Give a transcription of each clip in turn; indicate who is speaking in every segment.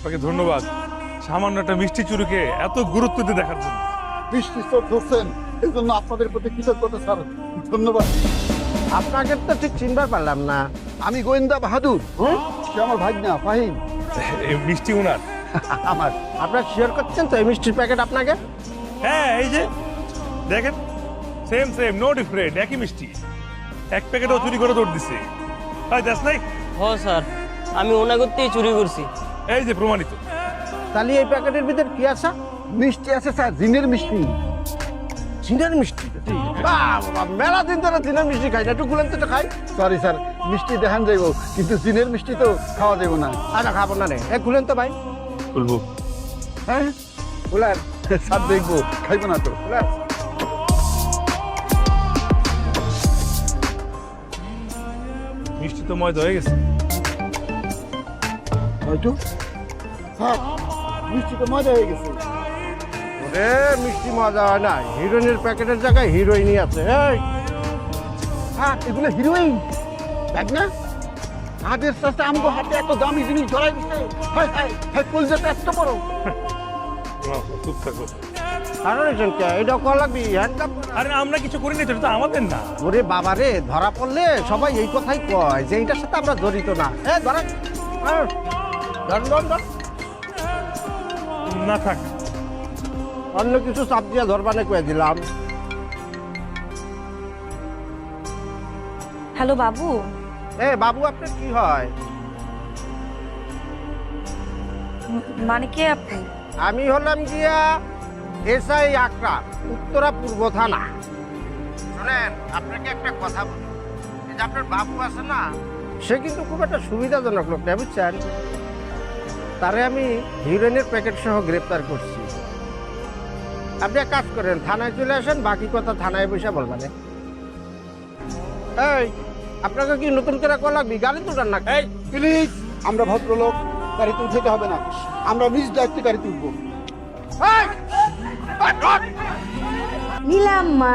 Speaker 1: আপনাকে ধন্যবাদ সামান্য একটা মিষ্টি চুরিকে এত গুরুত্ব দিয়ে দেখার জন্য।
Speaker 2: বৃষ্টি চোখ ধরছেন এই জন্য আপনাদের প্রতি কৃতজ্ঞতা স্যার, ধন্যবাদ।
Speaker 3: আপনাকে তো ঠিক চিনবার পারলাম না।
Speaker 2: আমি গোয়েন্দা বাহাদুর, সে আমার ভাগ্না ফাহিম।
Speaker 1: এই মিষ্টি উনার?
Speaker 2: আমার।
Speaker 3: আপনার শেয়ার করছেন তো এই মিষ্টির প্যাকেট আপনাকে?
Speaker 1: হ্যাঁ এই যে দেখেন, সেম সেম, নো ডিফারেন্ট, একই মিষ্টি। এক প্যাকেটও চুরি করে দৌড় দিছে। তাই দ্যাটস নাই।
Speaker 4: হ স্যার, আমি ওনাগতেই চুরি করছি।
Speaker 1: এই যে প্রমাণিত।
Speaker 3: তাহলে এই প্যাকেটের ভিতর কি আছে?
Speaker 2: মিষ্টি আছে স্যার, জিনের মিষ্টি।
Speaker 3: জিনের মিষ্টি? বাহ, মেলা দিন ধরে জিনের মিষ্টি খাই না, একটু গুলেন তো খাই।
Speaker 2: সরি স্যার, মিষ্টি দেখান যাইব কিন্তু জিনের মিষ্টি তো খাওয়া যাইব না।
Speaker 3: আচ্ছা খাবো না রে, গুলেন তো ভাই।
Speaker 1: বলবো
Speaker 2: হ্যাঁ বলার স্যার দেখবো, খাইব না তো বলার।
Speaker 1: মিষ্টি তো ময়দা হয়ে গেছে।
Speaker 2: হয়তো স্যার মিষ্টি তো মজা হয়ে গেছে।
Speaker 3: ওরে মিষ্টি মজা হয় না, হিরোইনের প্যাকেটের জায়গায় হিরোইনই আছে। এই
Speaker 2: হ্যাঁ এগুলো হিরোইন দেখ না, হাতের সাথে আমগো হাতে এত দামি জিনিস ধরাই দিচ্ছে। হাই হাই হাই, কলজাটা এত বড়।
Speaker 1: চুপ থাকো।
Speaker 3: কারণ এটা কল লাগবি একদম।
Speaker 1: আরে আমরা কিছু করিনি তো, এটা তো আমাদের না।
Speaker 3: ওরে বাবা রে, ধরা পড়লে সবাই এই কথাই কয় যে এইটার সাথে আমরা জড়িত না। ধরা
Speaker 1: না থাক,
Speaker 3: অন্য কিছু চাপ দিয়ে ধরবানে কয়ে দিলাম।
Speaker 5: হ্যালো বাবু।
Speaker 3: বাবু আপনার কি হয়?
Speaker 5: মানে কে আপনি?
Speaker 3: আমি হলাম গিয়া এসআই আকরাম, উত্তরা পূর্ব থানা। শুনেন, আপনাকে একটা কথা বলি, এই যে আপনার বাবু আছে না, সে কিন্তু খুব একটা সুবিধাজনক লোক না, বুঝছেন? তারে আমি হিরোইনের প্যাকেট সহ গ্রেপ্তার করছি। আপনি এক কাজ করেন, থানায় চলে আসেন, বাকি কথা থানায় বসে বলবেন। এই আপনাকে কি নতুন করে কল লাগবি? গাড়ি তুলার না? এই
Speaker 2: প্লিজ, আমরা ভদ্রলোক, গাড়ি তুলতে হবে না, আমরা নিজ দায়িত্বে গাড়ি তুলবো।
Speaker 6: নীলাম্মা,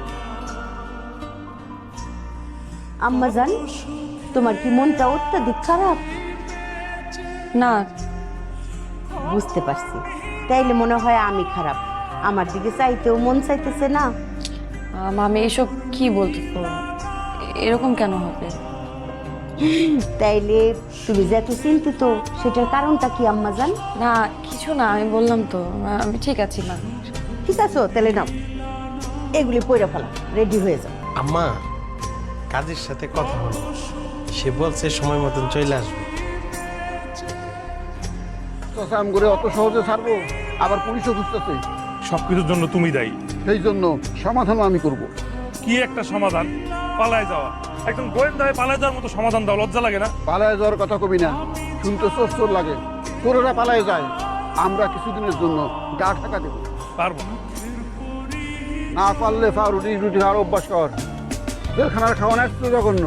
Speaker 6: আম্মা জান, তোমার কি মনটা অত্যাধিক খারাপ?
Speaker 5: না,
Speaker 6: বুঝতে পারছি, তাইলে মনে হয় আমি খারাপ। আমার দিকে চাইতেও মন চাইতেছে না।
Speaker 5: মামি এসব কি বলতেছো? এরকম কেন হবে?
Speaker 6: তাইলে তুমি যে এত চিন্তিত, সেটার কারণটা কি আম্মা জান?
Speaker 5: না কিছু না, আমি বললাম তো আমি ঠিক আছি মা।
Speaker 6: ঠিক আছে, তাহলে নাও, এগুলি পয়রা ফেলা, রেডি হয়ে যাও।
Speaker 7: আম্মা, কাজের সাথে কথা বলো, সে বলছে সময় মতন চলে আসবে।
Speaker 2: চাচা করে অত সহজে ছাড়বো? আবার পুলিশও খুঁজতেছে।
Speaker 1: সবকিছুর জন্য তুমি দায়ী।
Speaker 2: সেই জন্য সমাধানও আমি করব।
Speaker 1: কি একটা সমাধান? পালায় যাওয়া। একদম গোয়েন্দা হয়ে পালায় যাওয়ার মতো সমাধান দাও, লজ্জা লাগে না?
Speaker 2: পালায় যাওয়ার কথা কবি না, শুনতে চোর চোর লাগে। চোরেরা পালায় যায়, আমরা কিছুদিনের জন্য গা ঢাকা দেব।
Speaker 1: পারবো না।
Speaker 2: না পারলে রুটি রুটি আর অভ্যাস কর। জেলখানার খাওয়ানো একটু জঘন্য।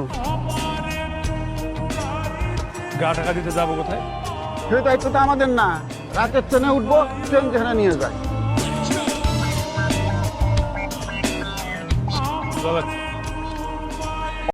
Speaker 1: গা টাকা দিতে যাবো কোথায়?
Speaker 2: সে দায়িত্বটা আমাদের না। রাতের ট্রেনে উঠবো, ট্রেন যেখানে নিয়ে যায়।
Speaker 1: চলো।